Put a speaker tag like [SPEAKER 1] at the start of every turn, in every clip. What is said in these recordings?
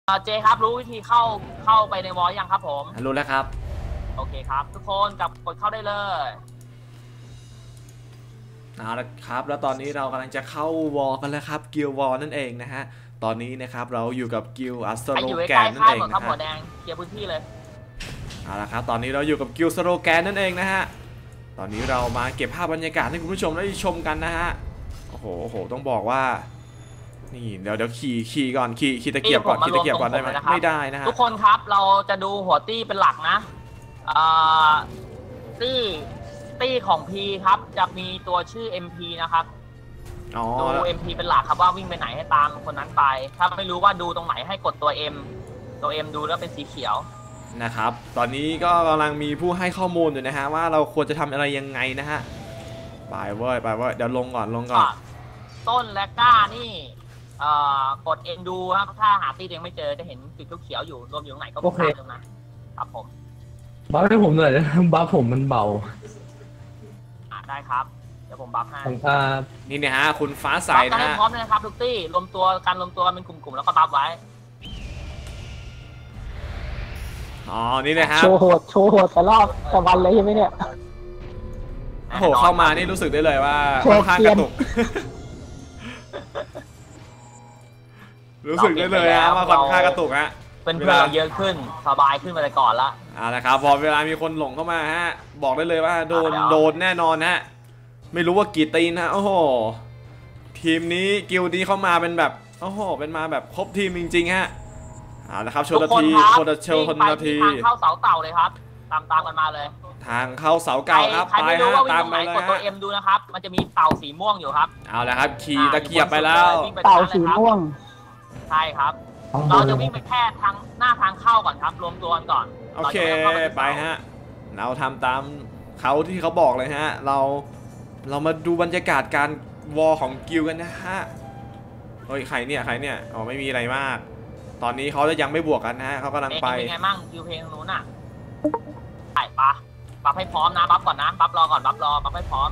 [SPEAKER 1] เจครับรู้วิธีเข้าไปในวอลยังครับผม
[SPEAKER 2] รู้แล้วครับ
[SPEAKER 1] โอเคครับทุกคนกดเข้าได้เลย
[SPEAKER 2] เอาละครับแล้วตอนนี้เรากำลังจะเข้าวอลกันแล้วครับกิลวอลนั่นเองนะฮะตอนนี้นะครับเราอยู่กับกิลอัสโตโรแกนนั่นเอง
[SPEAKER 1] นะครับ
[SPEAKER 2] หั
[SPEAKER 1] วแดงเคลียร์พื้นที่เลย
[SPEAKER 2] เอาละครับตอนนี้เราอยู่กับกิลสโลแกนนั่นเองนะฮะตอนนี้เรามาเก็บภาพบรรยากาศให้คุณผู้ชมได้ชมกันนะฮะโอ้โหต้องบอกว่านี่เดี๋ยวขี่ก่อนขี่ตะเกียบก่อนได้ไหมไม่ได้นะฮะ
[SPEAKER 1] ทุกคนครับเราจะดูหัวตี้เป็นหลักนะตี้ของ P ครับจะมีตัวชื่อ MP นะครับดู MP เป็นหลักครับว่าวิ่งไปไหนให้ตามคนนั้นไปถ้าไม่รู้ว่าดูตรงไหนให้กดตัว M ดูแล้วเป็นสีเขียว
[SPEAKER 2] นะครับตอนนี้ก็กำลังมีผู้ให้ข้อมูลอยู่นะฮะว่าเราควรจะทำอะไรยังไงนะฮะไปเว้ยเดี๋ยวลงก่อน
[SPEAKER 1] ต้นและก้านี่กด M ดูครับถ้าหาตี้ยังไม่เจอจะเห็นจุดเขียวอยู่รวมอยู่ตรงไหนก็กดตรงนั้นครับผม
[SPEAKER 3] บัฟให้ผมหน่อยบัฟผมมันเบา
[SPEAKER 1] ได้ครับเดี๋ยวผมบัฟให้
[SPEAKER 2] นี่นะฮะคุณฟ้าใสนะฮะ
[SPEAKER 1] พร้อมเลยนะครับทุกตี้รวมตัวเป็นกลุ่มแล้วก็บัฟไว้
[SPEAKER 2] อ๋อนี่นะฮะ
[SPEAKER 4] โชว์โหดแต่รอบแต่วันเลยใช่ไหมเนี่ย
[SPEAKER 2] โอ้โหเข้ามานี่รู้สึกได้เลยว่าค่อนข้างกระตุกรู้สึกได้เลยฮะว่าค่อนข้างกระตุกฮะ
[SPEAKER 1] เป็นเพื่อนเยอะขึ้นสบายขึ้นมาแต่ก่อนละ
[SPEAKER 2] นะครับพอเวลามีคนหลงเข้ามาฮะบอกได้เลยว่าโดนแน่นอนฮะไม่รู้ว่ากี่ตีนนะโอ้โหทีมนี้กิลนี้เข้ามาเป็นแบบโอ้โหเป็นมาแบบครบทีมจริงๆฮะเอาละครับชนนาทีทาง
[SPEAKER 1] เข้าเสาเต่าเลยครับตามกันมาเลย
[SPEAKER 2] ทางเข้าเสาเก่าครับ
[SPEAKER 1] ไปฮะตามไปเลยกดตัว M ดูนะครับมันจะมีเต่าสีม่วงอยู่ครับ
[SPEAKER 2] เอาละครับขี่ตะเกียบไปแล้ว
[SPEAKER 4] เต่าสีม่วง
[SPEAKER 1] ใช่ครับเราจะวิ่งไปแค่หน้าทางเข้าก่อนครับรวมตัวกันก่อน
[SPEAKER 2] โอเคไปฮะเราทำตามเขาที่เขาบอกเลยฮะเรามาดูบรรยากาศการวอลของกิลกันนะฮะเฮ้ยใครเนี่ยอ๋อไม่มีอะไรมากตอนนี้เขาจะยังไม่บวกกันนะฮะเขากำลังไป
[SPEAKER 1] เป็นไงมั่งกิลเพลงนู้นน่ะไปบัฟให้พร้อมนะบัฟก่อนนะบัฟรอก่อนบัฟให้พร้อม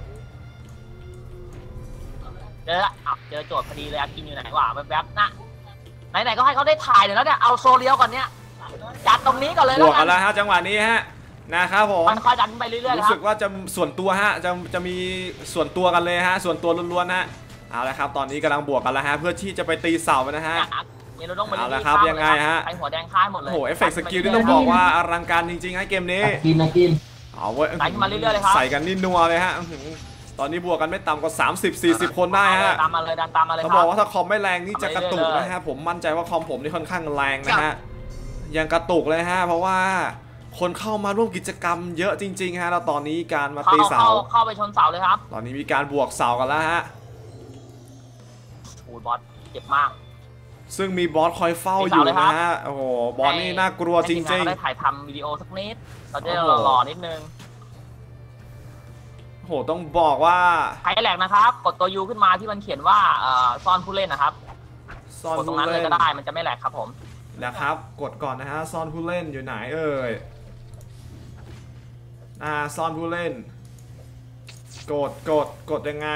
[SPEAKER 1] เจอโจทย์พอดีเลยกินอยู่ไหนวะแวบๆนะไหนก็ให้เขาได้ถ่ายแล้วเนี่ยเอาโซเลียวก่อนเนี่ยจัดตรงนี้ก่อนเลย
[SPEAKER 2] บวกกันแล้วฮะจังหวะนี้ฮะนะครับผม
[SPEAKER 1] มันค่อยดันไปเรื่อยๆ
[SPEAKER 2] รู้สึกว่าจะส่วนตัวฮะจะมีส่วนตัวกันเลยฮะส่วนตัวล้วนๆนะเอาละครับตอนนี้กำลังบวกกันแล้วฮะเพื่อที่จะไปตีเสานะฮะเอาละครับยังไงฮะ
[SPEAKER 1] ไอหัวแดงค่ายหมดเลย
[SPEAKER 2] โอ้โหเอฟเฟกต์สกิลที่ต้องบอกว่าอลังการจริงๆฮะเกมนี้
[SPEAKER 3] กิน
[SPEAKER 2] เอาเว้ย
[SPEAKER 1] ใส่มาเรื่อยๆเลยครับ
[SPEAKER 2] ใส่กันนี่นัวเลยฮะตอนนี้บวกกันไม่ต่ำกว่า30-40 คนได้ฮะ
[SPEAKER 1] ตามมาเลย
[SPEAKER 2] เขาบอกว่าถ้าคอมไม่แรงนี่จะกระตุกนะฮะผมมั่นใจว่าคอมผมนี่ค่อนข้างแรงนะฮะยังกระตุกเลยฮะเพราะว่าคนเข้ามาร่วมกิจกรรมเยอะจริงๆฮะแล้วตอนนี้การมาตีเสา
[SPEAKER 1] เข้าไปชนเสาเลยครับ
[SPEAKER 2] ตอนนี้มีการบวกเสากันแล้วฮะ
[SPEAKER 1] โอ้บอสเจ็บมาก
[SPEAKER 2] ซึ่งมีบอสคอยเฝ้าอยู่นะฮะโอ้โหบอสนี่น่ากลัวจริงๆ
[SPEAKER 1] ได้ถ่ายทำวิดีโอสักนิดเราจะหล่อนิดนึง
[SPEAKER 2] โหต้องบอกว่า
[SPEAKER 1] ใครแหลกนะครับกดตัว U ขึ้นมาที่มันเขียนว่าซ่อนผู้เล่นนะครับซ่อนตรงนั้นเลยก็ได้มันจะไม่แหลกครับผม
[SPEAKER 2] นะครับกดก่อนนะฮะซ่อนผู้เล่นอยู่ไหนเอ่ยซ่อนผู้เล่นกดยังไง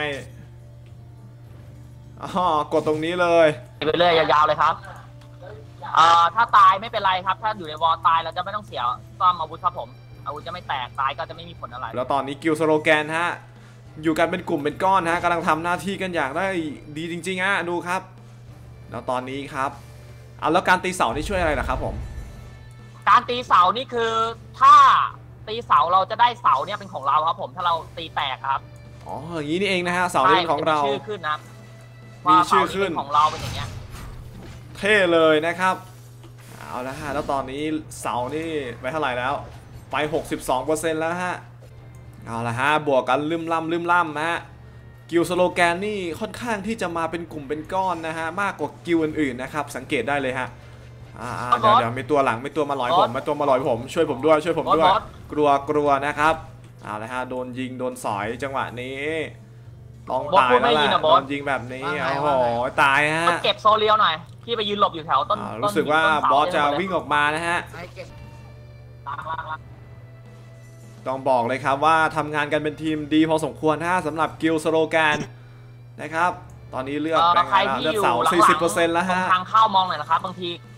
[SPEAKER 2] กดตรงนี้เลย
[SPEAKER 1] ไปเรื่อยยาวๆเลยครับถ้าตายไม่เป็นไรครับถ้าอยู่ในวอลตายเราจะไม่ต้องเสียซ่อมอาวุธครับผมอาวุธจะไม่แตกตายก็จะไม่มีผลอะไร
[SPEAKER 2] แล้วตอนนี้กิลสโลแกนฮะอยู่กันเป็นกลุ่มเป็นก้อนฮะกำลังทำหน้าที่กันอย่างได้ดีจริงๆฮะดูครับแล้วตอนนี้ครับแล้วการตีเสานี่ช่วยอะไรล่ะครับผม
[SPEAKER 1] การตีเสานี่คือถ้าตีเสาเราจะได้เสาเนี่ยเป็นของเราครับผมถ้าเราตีแตกครับ
[SPEAKER 2] อ๋ออย่างนี้นี่เองนะฮะเสาเป็นของเรา
[SPEAKER 1] มีชื่อขึ้นนะ
[SPEAKER 2] มีชื่อขึ้น
[SPEAKER 1] ของเราเป็นอย่างเงี้ย
[SPEAKER 2] เท่เลยนะครับเอาละฮะแล้วตอนนี้เสานี่ไปเท่าไหร่แล้วไป 62% แล้วฮะเอาละฮะบวกกันลืมล่ำฮะกิลสโลแกนนี่ค่อนข้างที่จะมาเป็นกลุ่มเป็นก้อนนะฮะมากกว่ากิลอื่นๆนะครับสังเกตได้เลยฮะเดี๋ยวมีตัวหลังมีตัวมาลอยผมช่วยผมด้วยกลัวนะครับเอาละฮะโดนยิงโดนสอยจังหวะนี้ต้องตายแล้วแหละโดนยิงแบบนี้โอ้โหตายฮะ
[SPEAKER 1] เก็บโซเลียวหน่อยพี่ไปยืนหลบอยู่แถวต้น
[SPEAKER 2] รู้สึกว่าบอสจะวิ่งออกมานะฮะต้องบอกเลยครับว่าทำงานกันเป็นทีมดีพอสมควรนะสำหรับกิลสโลแกนนะครับตอนนี้เลือก
[SPEAKER 1] ใครที่อยู่หลัง
[SPEAKER 2] 40% แล้วฮะ
[SPEAKER 1] ทางเข้ามองหน่อยนะครับบางที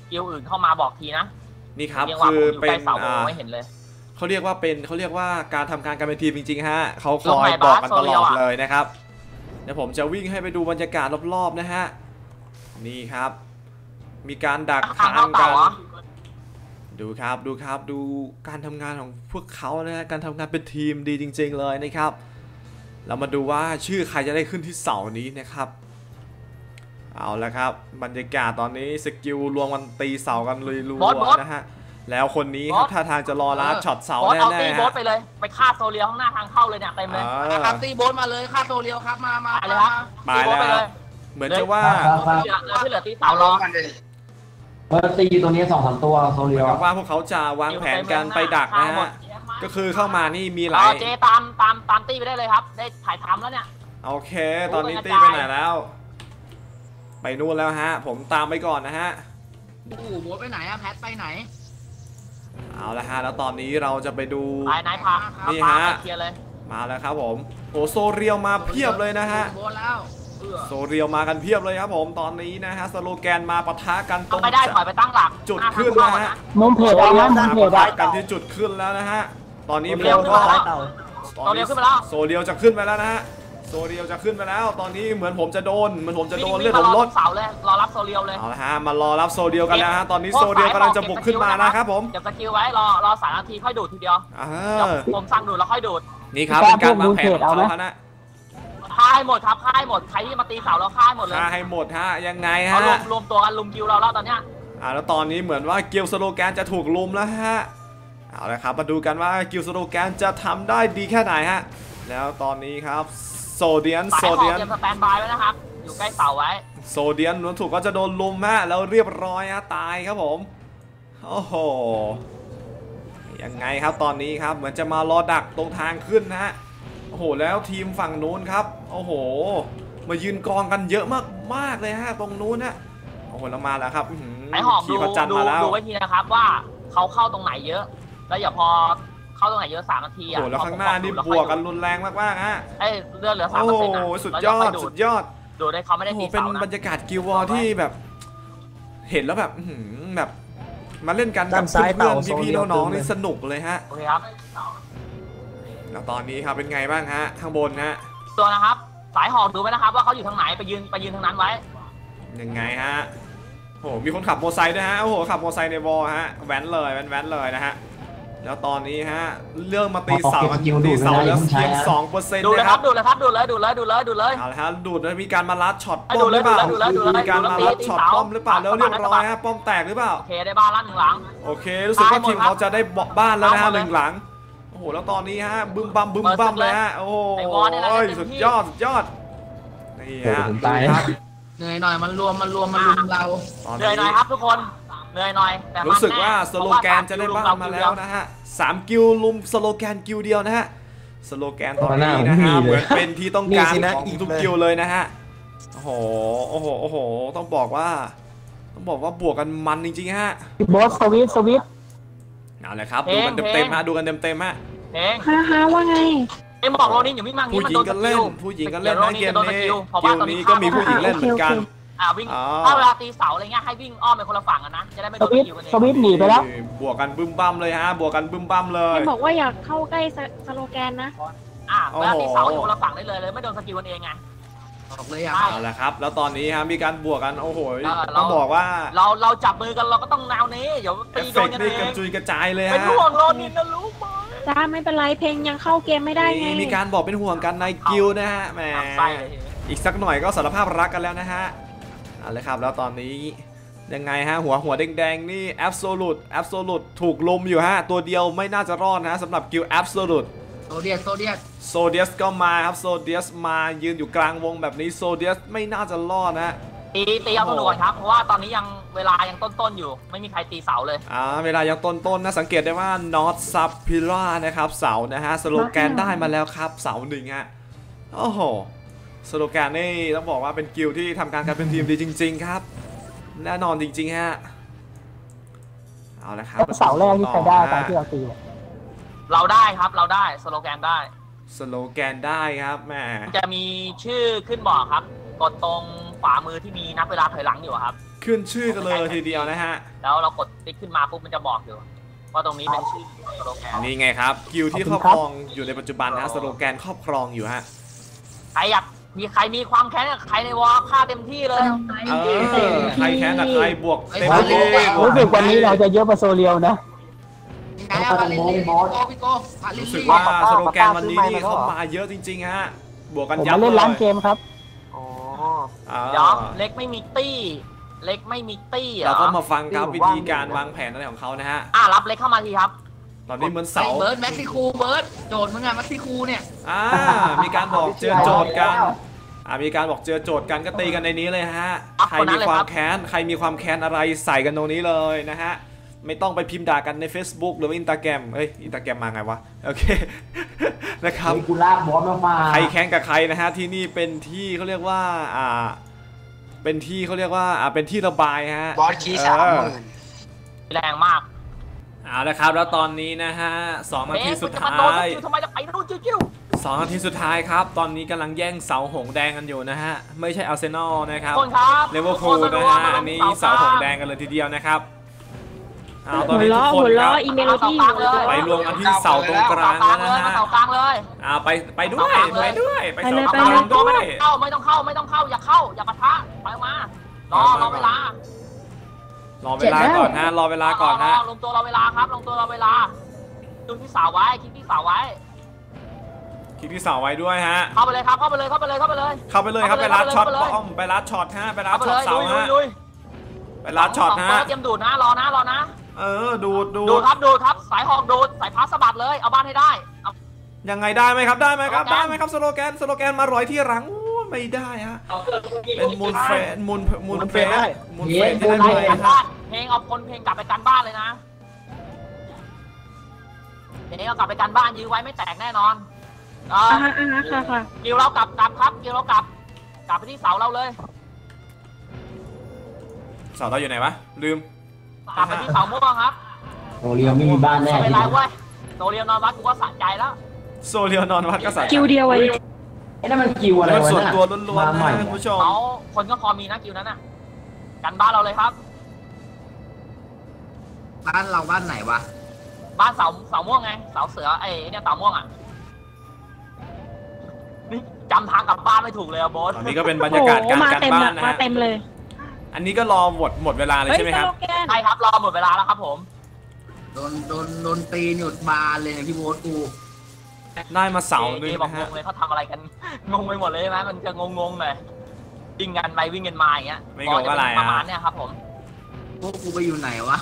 [SPEAKER 1] กิลอื่นเข้ามาบอกทีนะ
[SPEAKER 2] นี่ครับ
[SPEAKER 1] เรียกว่า
[SPEAKER 2] คือ
[SPEAKER 1] ผมอยู่
[SPEAKER 2] เป็
[SPEAKER 1] ใกล้
[SPEAKER 2] น
[SPEAKER 1] เสาผมไม่เห็นเลย
[SPEAKER 2] เขาเรียกว่าการทำงานกันเป็นทีมจริงๆฮะเขาค
[SPEAKER 1] ลง
[SPEAKER 2] อ
[SPEAKER 1] ไหน
[SPEAKER 2] ยบอกกัน
[SPEAKER 1] บาส
[SPEAKER 2] ตลอด
[SPEAKER 1] โซเรียลอะ
[SPEAKER 2] เลยนะครับเดี๋ยวผมจะวิ่งให้ไปดูบรรยากาศรอบๆนะฮะนี่ครับ มีการดัก
[SPEAKER 1] ทา
[SPEAKER 2] ทาง ง
[SPEAKER 1] เข้า
[SPEAKER 2] กั
[SPEAKER 1] เต่าน เหรอ
[SPEAKER 2] ดูครับดูการทำงานของพวกเขานะฮะการทำงานเป็นทีมดีจริงๆเลยนะครับเรามาดูว่าชื่อใครจะได้ขึ้นที่เสานี้นะครับเอาละครับบรรยากาศตอนนี้สกิลรวมกันตีเสากันเลยรัวๆนะฮะแล้วคนนี้ครับท่าทางจะรอลัดช็อตเสา
[SPEAKER 1] โบ๊ท
[SPEAKER 2] แน่
[SPEAKER 1] เอาตี
[SPEAKER 2] ๆ
[SPEAKER 1] โบ๊
[SPEAKER 2] ฮะ
[SPEAKER 1] ทไปเลยไปฆ่าโซเลียข้างหน้าทางเข้าเลยเนี่ยเต็มเลย
[SPEAKER 5] ครับตีโบนมาเลยค่าโซเรียวครับมา
[SPEAKER 1] ไปเลยครับ
[SPEAKER 2] ไปแล้วครับเหมือนจะว่า
[SPEAKER 1] ที่เหลือตีเสาล้อ
[SPEAKER 3] ตีตัวนี้2-3ตัวโซ
[SPEAKER 2] เหมื
[SPEAKER 3] เรี
[SPEAKER 2] อย น
[SPEAKER 3] ล
[SPEAKER 2] กับว่าพวกเขาจะวางแผนกันไปดักนะฮะก็คือเข้ามานี่มีหลาย
[SPEAKER 1] เจตามตีไปได้เลยครับ ได้ถ่ายทำแล้วเนี่ย
[SPEAKER 2] โอเค ตอนนี้ตี้ไปไหนแล้ว ไปนู่นแล้วฮะผมตามไปก่อนนะฮะ
[SPEAKER 5] โอ้โหโบนไปไหนอะแพทไปไหน
[SPEAKER 2] เอาละฮะแล้วตอนนี้เราจะไปดู
[SPEAKER 1] ไปนายพา
[SPEAKER 2] นี่
[SPEAKER 1] พา
[SPEAKER 2] ฮะ
[SPEAKER 1] ไปเคลียร์เลย
[SPEAKER 2] มาแล้วครับผมโอ้โซเรียวมาเพียบเลยนะฮะ
[SPEAKER 5] โบนแล้ว
[SPEAKER 2] โซเรียวมากันเพียบเลยครับผมตอนนี้นะฮะสโลแกนมาปะทะกันตรง
[SPEAKER 1] ไม่ได้ถอยไปตั้งหลัก
[SPEAKER 2] จุด
[SPEAKER 1] หาทาง
[SPEAKER 2] ขึ้น
[SPEAKER 1] เข้า
[SPEAKER 2] นะฮะ
[SPEAKER 4] มุมเพจเอานะมุมเพจ
[SPEAKER 2] ปะ
[SPEAKER 4] อะ
[SPEAKER 2] ทะกันที่จุดขึ้นแล้วนะฮะตอนนี้ผ
[SPEAKER 1] เร็ว
[SPEAKER 2] ม
[SPEAKER 1] ขึ้น
[SPEAKER 2] ก็
[SPEAKER 1] มาแล้ว
[SPEAKER 2] ตอนนี้
[SPEAKER 1] โซเรียวขึ้นมาแล้ว
[SPEAKER 2] โซเรียวจะขึ้นไปแล้วนะฮะโซเรียวจะขึ้นไปแล้ว ตอนนี้เหมือนผมจะโดนเลือดผมลด
[SPEAKER 1] เสาเลยรอรับโซเรียวเลย
[SPEAKER 2] เอาละฮะมารอรับโซเดียวกันแล้วฮะตอนนี้โซเดียวกำลังจะบุกขึ้นมานะครับผม
[SPEAKER 1] เก็บสกิลไว้รอ3 นาทีค่อยดูดทีเดียว
[SPEAKER 2] อ่า
[SPEAKER 1] เดี๋ยวผมสั่งดูดแล้วค่อยดูด
[SPEAKER 2] นี่ครับเป็นการวางแผนของเขาฮะนะ
[SPEAKER 1] ฆ่าให้หมดครับฆ่าให้หมดใครที่มาตีเสาแล้วฆ่าให้หมดเลย
[SPEAKER 2] ฆ่าให้หมดฮะยังไง
[SPEAKER 1] เขา
[SPEAKER 2] ฮะ
[SPEAKER 1] รวมตัวกันลุมคิวเราแล้วตอนเนี้ย
[SPEAKER 2] แล้วตอนนี้เหมือนว่ากิลสโลแกนจะถูกลุมแล้วฮะเอาละครับมาดูกันว่ากิลสโลแกนจะทำได้ดีแค่ไหนฮะแล้วตอนนี้ครับโซเดียน
[SPEAKER 1] สายหอกเตรียมสแตนบายไว้นะครับอยู่ใกล้เสาไว้
[SPEAKER 2] โซเดียนนวลถูกก็จะโดนลุมฮะแล้วเรียบร้อยฮะตายครับผมโอ้โหยังไงครับตอนนี้ครับเหมือนจะมารอดักตรงทางขึ้นนะฮะโอ้โหแล้วทีมฝั่งนู้นครับโอ้โหมายืนกองกันเยอะมากเลยฮะตรงนู้นนะโอ้โหแล้วมาแล้วครับ
[SPEAKER 1] สายหอก
[SPEAKER 2] ขี่พระจันทร์
[SPEAKER 1] ดู
[SPEAKER 2] มาแล้ว
[SPEAKER 1] ไว้ทีนะครับว่าเขาเข้าตรงไหนเยอะ แล้วอย่าพอเข้าตรงไหนเยอะ3 นาที
[SPEAKER 2] โอ้
[SPEAKER 1] อ่ะ
[SPEAKER 2] โหแล้วข้างหน้านี่บวกกันรุนแรงมากๆฮะ
[SPEAKER 1] เลือดเหลือ
[SPEAKER 2] โอ้โห
[SPEAKER 1] 3%
[SPEAKER 2] สุดยอดสุดยอด
[SPEAKER 1] ดูได้เขาไม่ได้
[SPEAKER 2] โอ้โห
[SPEAKER 1] ตี
[SPEAKER 2] เป็น
[SPEAKER 1] เสานะ
[SPEAKER 2] บรรยากาศกิลวอร์ที่แบบเห็นแล้วแบบแบบมาเล่นกันกับเพื่อนๆพี่ๆน้องๆนี่สนุกเลยฮะ
[SPEAKER 1] โอเคครับ
[SPEAKER 2] แล้วตอนนี้ครับเป็นไงบ้างฮะข้างบนฮะ
[SPEAKER 1] ตัวนะครับสายหอกดูไว้นะครับ ว่าเขาอยู่ทางไหนไปยืนทางนั้นไว้
[SPEAKER 2] ยังไงฮะโอ้โหมีคนขับมอเตอร์ไซค์ด้วยฮะโอ้โหขับมอเตอร์ไซค์ในวอลฮะแว้นเลยแว้นเลยนะฮะแล้วตอนนี้ฮะเรื่องมาตีเสากันตีเสาแล้วเพียง 2%
[SPEAKER 1] ดูเลย
[SPEAKER 2] นะ
[SPEAKER 1] ค
[SPEAKER 2] ค
[SPEAKER 1] รั
[SPEAKER 2] รั
[SPEAKER 1] บบ ดูเลยครับดูเลย
[SPEAKER 2] เอาละฮะดูดแล้วมีการมาลัดช็อต
[SPEAKER 1] ให้
[SPEAKER 2] ป้
[SPEAKER 1] ดู
[SPEAKER 2] อมห
[SPEAKER 1] เล
[SPEAKER 2] รื
[SPEAKER 1] ย
[SPEAKER 2] อเปล่า
[SPEAKER 1] ดูเลย
[SPEAKER 2] มีการมาลัดช็อตป้อมหรือเปล่าแล้วเรียบร้อยฮะป้อมแตกหรือเปล่า
[SPEAKER 1] โอเคได้บ้านละ1 หลัง
[SPEAKER 2] โอเครู้สึกว่าทีมเขาจะได้บ้านแล้วนะฮะ1 หลังโอ้โหแล้วตอนนี้ฮะบึ้มบัมเลยฮะโอ้โหสุดยอดนี่ฮะ
[SPEAKER 3] ผมตาย
[SPEAKER 2] ครับ
[SPEAKER 5] เหนื่อยหน่อยมันรวมเรา
[SPEAKER 1] เหนื่อยหน่อยครับทุกคนเหนื่อยหน่อยแต่มัน
[SPEAKER 2] รู้สึกว่า
[SPEAKER 1] แน่
[SPEAKER 2] สโลแกนจะได้บ้านมาแล้วนะฮะ3 กิลลุมสโลแกนกิลเดียวนะฮะสโลแกนตอนนี้นะฮะเหมือนเป็นที่ต้องการของทุกกิลเลยนะฮะโอ้โหต้องบอกว่าบวกกันมันจริงๆฮะ
[SPEAKER 4] บอสสวิต
[SPEAKER 2] เอาเลยครับดูกันเต็มๆฮะดูกันเต็มๆฮะ
[SPEAKER 1] เพลง
[SPEAKER 6] ฮะว่าไง
[SPEAKER 1] เอ็มบอกโรนินอย่าวิ่งมาก
[SPEAKER 2] ผู้
[SPEAKER 1] นี้มัน
[SPEAKER 2] หญิ
[SPEAKER 1] โด
[SPEAKER 2] ง
[SPEAKER 1] น
[SPEAKER 2] ก็
[SPEAKER 1] ส
[SPEAKER 2] เล่
[SPEAKER 1] กิ
[SPEAKER 2] น
[SPEAKER 1] ล
[SPEAKER 2] ผู้หญิงก็เล่นนะเกมนี้เกมนี้ก็มีผู้หญิงเล่นเหมือนกัน
[SPEAKER 1] วิ่งถ้าเวลาตีเสาอะไรเงี้ยให้วิ่งอ้อมไปคนละฝั่งกันนะจะได้ไม่โดนสกิลกันเอง
[SPEAKER 4] สวิตหนีไปแล้ว
[SPEAKER 2] บวกกันบึ้มบั้มเลยฮะบวกกันบึ้มบั้มเลย
[SPEAKER 6] เห็นบอกว่าอยากเข้าใกล้สโลแกนนะ
[SPEAKER 1] เวลาตีเสาอยู่คนละฝั่งได้เลยไม่โดนสกิลกันเองไง
[SPEAKER 5] บอกเลยอ่ะ
[SPEAKER 2] เอาละครับแล้วตอนนี้ฮะมีการบวกกันโอ้โหต้องบอกว่า
[SPEAKER 1] เราจับมือกันเราก็ต้องแนวนี้เดี๋ยว
[SPEAKER 2] เอ
[SPEAKER 1] ตี
[SPEAKER 2] ฟ
[SPEAKER 1] โด
[SPEAKER 2] เฟ
[SPEAKER 1] น
[SPEAKER 2] ก
[SPEAKER 1] กัน
[SPEAKER 2] ต์นี่
[SPEAKER 1] เอก
[SPEAKER 2] ระ
[SPEAKER 1] ง
[SPEAKER 2] จุยกระจายเลย
[SPEAKER 1] เป็น
[SPEAKER 2] ฮะ
[SPEAKER 1] ห่วงโรนินนะรู้ไหม
[SPEAKER 6] จ้าไม่เป็นไรเพลงยังเข้าเกมไม่ได้ไง
[SPEAKER 2] มีการบอกเป็นห่วงกันในกิลนะฮะแหม
[SPEAKER 1] ใส่เลย
[SPEAKER 2] อีกสักหน่อยก็สารภาพรักกันแล้วนะฮะเอาเลยครับแล้วตอนนี้ยังไงฮะหัวแดงๆนี่ Absolute ถูกลุมอยู่ฮะตัวเดียวไม่น่าจะรอดนะสำหรับกิล Absolute
[SPEAKER 5] โซเดียส
[SPEAKER 2] โซเดียสก็มาครับโซเดียสมายืนอยู่กลางวงแบบนี้โซเดียสไม่น่าจะรอดนะฮะ
[SPEAKER 1] ตีเอาตัวก่อนครับเพราะว่าตอนนี้ยังเวลายังต้นอยู่ไม่มีใครตีเสาเลย
[SPEAKER 2] เวลายังต้นนะสังเกตได้ว่า North Sub p i l a นะครับเสานะฮะสโลแกนได้มาแล้วครับเสา1ฮะโอ้โหสโลแกนนี่ต้องบอกว่าเป็นกิลที่ทำการกันเป็นทีมดีจริงๆครับแน่นอนจริงๆฮะเอาละครับ
[SPEAKER 4] เสาแรกที่ใครได้ตอนที่เราตี
[SPEAKER 1] เราได้ครับเราได้สโลแกนได้
[SPEAKER 2] สโลแกนได้ครับแหม
[SPEAKER 1] จะมีชื่อขึ้นบอกครับกดตรงขวามือที่มีนับเวลาถอยหลังอยู่ครับ
[SPEAKER 2] ขึ้นชื่อกันเลยทีเดียวนะฮะ
[SPEAKER 1] แล้วเรากดติ๊กขึ้นมาปุ๊บมันจะบอกอยู่ว่าตรงนี้เป็นชื่อสโลแกน
[SPEAKER 2] นี่ไงครับกิลที่ครอบครองอยู่ในปัจจุบันนะสโลแกนครอบครองอยู่ฮะ
[SPEAKER 1] ใครอยากใครมีความแค้นกับใครในวอลฆ่าเต็มที่เลย
[SPEAKER 2] ใครแค้นกับใครบวกเต็มที่
[SPEAKER 4] รู้สึกวันนี้เราจะเยอะกว่าโซเรียวนะ
[SPEAKER 2] รู้สึกว่าสโลแกนวันนี้นี่เข้ามาเยอะจริงๆฮะบวกกันยับเลย
[SPEAKER 4] ผมเล่นร้านเกมครับ
[SPEAKER 1] เดี๋ยวเล็กไม่มีตี้เล็กไม่มีตี้
[SPEAKER 2] เราก็มาฟังครับวิธีการวางแผนอะไรของเขานะฮะ
[SPEAKER 1] รับเล็กเข้ามาทีครับ
[SPEAKER 2] ตอนนี้เหมือนเสา
[SPEAKER 5] เบิร์ดแม็กซิคูเบิร์ดโจทย์มึงไงแม็กซิคูเนี่ย
[SPEAKER 2] มีการบอกเจอโจทย์กันมีการบอกเจอโจทย์กันก็ตีกันในนี้เลยฮะใครมีความแค้นใครมีความแค้นอะไรใส่กันตรงนี้เลยนะฮะไม่ต้องไปพิมพ์ด่ากันใน Facebook หรือว่าInstagram Instagram มาไงวะโอเคนะครับ
[SPEAKER 3] กูลากบอสมา
[SPEAKER 2] ใครแค้นกับใครนะฮะที่นี่เป็นที่เขาเรียกว่าเป็นที่เขาเรียกว่าเป็นที่ระบายฮะ
[SPEAKER 5] บอสคีย์30,000
[SPEAKER 1] แรงมาก
[SPEAKER 2] เอาละครับแล้วตอนนี้นะฮะ2 นาทีสุดท้าย
[SPEAKER 1] ทำไมจะไปนู่นจิ้ว
[SPEAKER 2] 2 นาทีสุดท้ายครับตอนนี้กำลังแย่งเสาหงแดงกันอยู่นะฮะไม่ใช่อาร์เซนอลนะครับเลเวอร์พูลนะฮะอันนี้เสาหงแดงกันเลยทีเดียวนะครับตอนนี้ทุกคนครับไปรวมกันที่เสาตรงกลางแล้วนะฮะ
[SPEAKER 1] เสากลางเลย
[SPEAKER 2] ไปด้วยไปเสากลางด้วย
[SPEAKER 1] ไม่ต้องเข้าอย่าเข้าอย่าปะทะไปมารอเวลารอเวลาก่อนฮะ
[SPEAKER 2] รอเวลาก่อนฮะ
[SPEAKER 1] ลงตัวรอเวลาครับลงตัวรอเวลาดูที่เสาไว้คิดที่เสาไว้
[SPEAKER 2] คิดที่เสาไว้ด้วยฮะ
[SPEAKER 1] เข้าไปเลยครับเข้าไปเลยครับไป
[SPEAKER 2] ลัดช็อตป้อมไปลัดช็อตฮะไปลัดช็อตเสาฮะไปลัดช็อตฮะ
[SPEAKER 1] เตรียมดูดนะรอนะ
[SPEAKER 2] ดูด
[SPEAKER 1] ครับสายหอกดูดสายพาสบัดเลยเอาบ้านให้ได้
[SPEAKER 2] ยังไงได้ไหมครับสโลแกนมาร้อยที่หลังไม่ได้ฮะเป็นมูลเฟสที่ได้เลย
[SPEAKER 1] เพลงเอาเพลงกลับไปกันบ้านเลยนะเพลงเอากลับไปกันบ้านยื้อไว้ไม่แตกแน่นอน
[SPEAKER 6] ค่ะ
[SPEAKER 1] กิวเรากลับครับกิวเรากลับไปที่เสาเราเลย
[SPEAKER 2] เสาเราอยู่ไหนวะลืม
[SPEAKER 1] กลับไปที่เสาม่วงครับ
[SPEAKER 3] โซเรียวไม่มีบ้านแน่
[SPEAKER 1] ไม่เป็นไรเว้ยโซเรียวนอนวัดกูก็สะใจแล้ว
[SPEAKER 2] โซเรียวนอนวัดก็สะใจ
[SPEAKER 6] กิวเดียวไว้
[SPEAKER 3] นั่นมันกิวอะไรวะ
[SPEAKER 2] ส่วนตัวล้วนๆนะคุณผู้ชม
[SPEAKER 1] คนก็พอมีนะกิวนั้นน่ะกันบ้านเราเลยครับ
[SPEAKER 5] บ้านเราบ้านไหนวะ
[SPEAKER 1] บ้านเสาม่วงไงเสาเสือเนี่ยเสาม่วงอ่ะนี่จำทางกลับบ้านไม่ถูกเลยอะโบ๊ท
[SPEAKER 2] ตอนนี้ก็เป็นบรรยากาศการกันบ้านนะฮะ
[SPEAKER 6] เต็มเลย
[SPEAKER 2] อันนี้ก็รอหมดเวลาเลยใช่ไหมครับ
[SPEAKER 1] ใช่ครับรอหมดเวลาแล้วครับผม
[SPEAKER 5] โดนตีหยุดบานเลยพี่โบ๊ทกู
[SPEAKER 2] ได้มาเสาหนึ่ง
[SPEAKER 1] นะฮะเลยเขาทำอะไรกันงงไปหมดเลยใช่ไหมมันจะงงเลยวิ่งกันไปวิ่งกันมาอย่างเงี้ย
[SPEAKER 2] ไม่งงอะไร
[SPEAKER 1] ประมาณเนี้ยครับผม
[SPEAKER 5] พวกกูไปอยู่ไหนวะ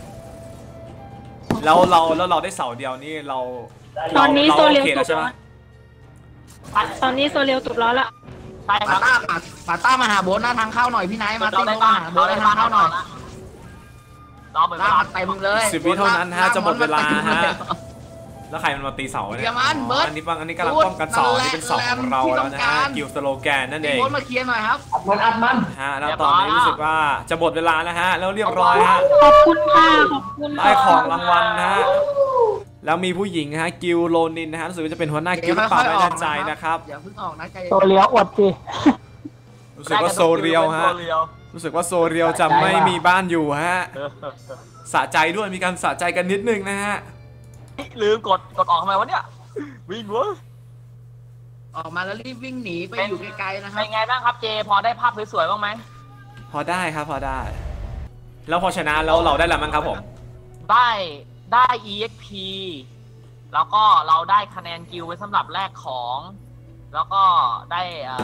[SPEAKER 2] แล้วเราได้เสาเดียวนี่เรา
[SPEAKER 6] ตอนนี้โซเรียวใช่ไหมตอนนี้โซเรียวตุดล้อละ
[SPEAKER 1] ใช่ครับ
[SPEAKER 5] ปาต้ามาหาโบ๊ทหน้าทางเข้าหน่อยพี่ไนท์มาตีมาหาโบ๊ทหน้าทางเข้าหน่อย
[SPEAKER 1] รอเวลา
[SPEAKER 5] เต็มเลย
[SPEAKER 2] 10 วิเท่านั้นฮะจะหมดเวลาฮะแล้วใครมันมาตีเสาเนี่ยอันนี้กำลังป้องกันเสานี่เป็นเสาของเราแล้วนะฮะกิลสโลแกนนั่นเอง
[SPEAKER 5] โบ๊ทมาเคลียร์หน่อยครับ
[SPEAKER 3] อัดมัน
[SPEAKER 2] ฮะแล้วตอนนี้รู้สึกว่าจะหมดเวลาแล้วฮะแล้วเรียบร้อยฮะ
[SPEAKER 6] ขอบคุณค่ะขอบคุณ
[SPEAKER 2] ได้ของรางวัลนะฮะแล้วมีผู้หญิงฮะกิลโลนินนะฮะรู้สึกว่าจะเป็นหัวหน้ากิลหรือเปล่าไม่แน่ใจนะครับ
[SPEAKER 5] อย่าเพิ่งออกนะ
[SPEAKER 4] โซเรียวอดสิ
[SPEAKER 2] รู้สึกว่าโซเรียวฮะรู้สึกว่าโซเรียวจะไม่มีบ้านอยู่ฮะสะใจด้วยมีการสะใจกันนิดนึงนะฮะ
[SPEAKER 1] ลืมกดออกทำไมวะเนี่ยวิ่งวะ
[SPEAKER 5] ออกมาแล้วรีบวิ่งหนีไปอยู่ไกลๆนะครับ
[SPEAKER 1] เป็นไงบ้างครับเจพอได้ภาพสวยๆบ้างไหม
[SPEAKER 2] พอได้ครับพอได้แล้วพอชนะแล้วเราได้อะไรบ้างครับผม
[SPEAKER 1] ได้ EXP แล้วก็เราได้คะแนนกิลไว้สำหรับแลกของแล้วก็ได้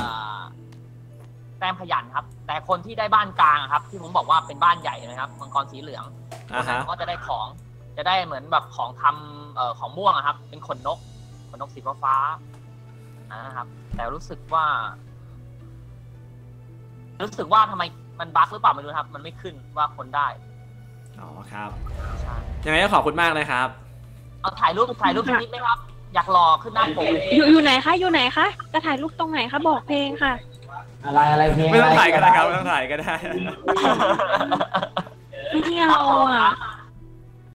[SPEAKER 1] แต้มขยันครับแต่คนที่ได้บ้านกลางครับที่ผมบอกว่าเป็นบ้านใหญ่นะครับมังกรสีเหลืองก็จะได้ของจะได้เหมือนแบบของทำของม่วงครับเป็นขนนกสีฟ้านะครับแต่รู้สึกว่าทำไมมันบั๊กหรือเปล่าไม่รู้ครับมันไม่ขึ้นว่าคนได้
[SPEAKER 2] อ๋อครับยังไงก็ขอบคุณมากเลยครับ
[SPEAKER 1] เอาถ่ายรูปนิดไหมครับอยากรอขึ้นหน้าผม
[SPEAKER 6] อยู่ไหนคะจะถ่ายรูปตรงไหนคะบอกเพลงค่ะ
[SPEAKER 3] อะไรเพลง
[SPEAKER 2] ไม่ต้องถ่ายก็ได้ครับไม่ต้องถ่ายก็ได้
[SPEAKER 6] ไม่เอาอ่ะ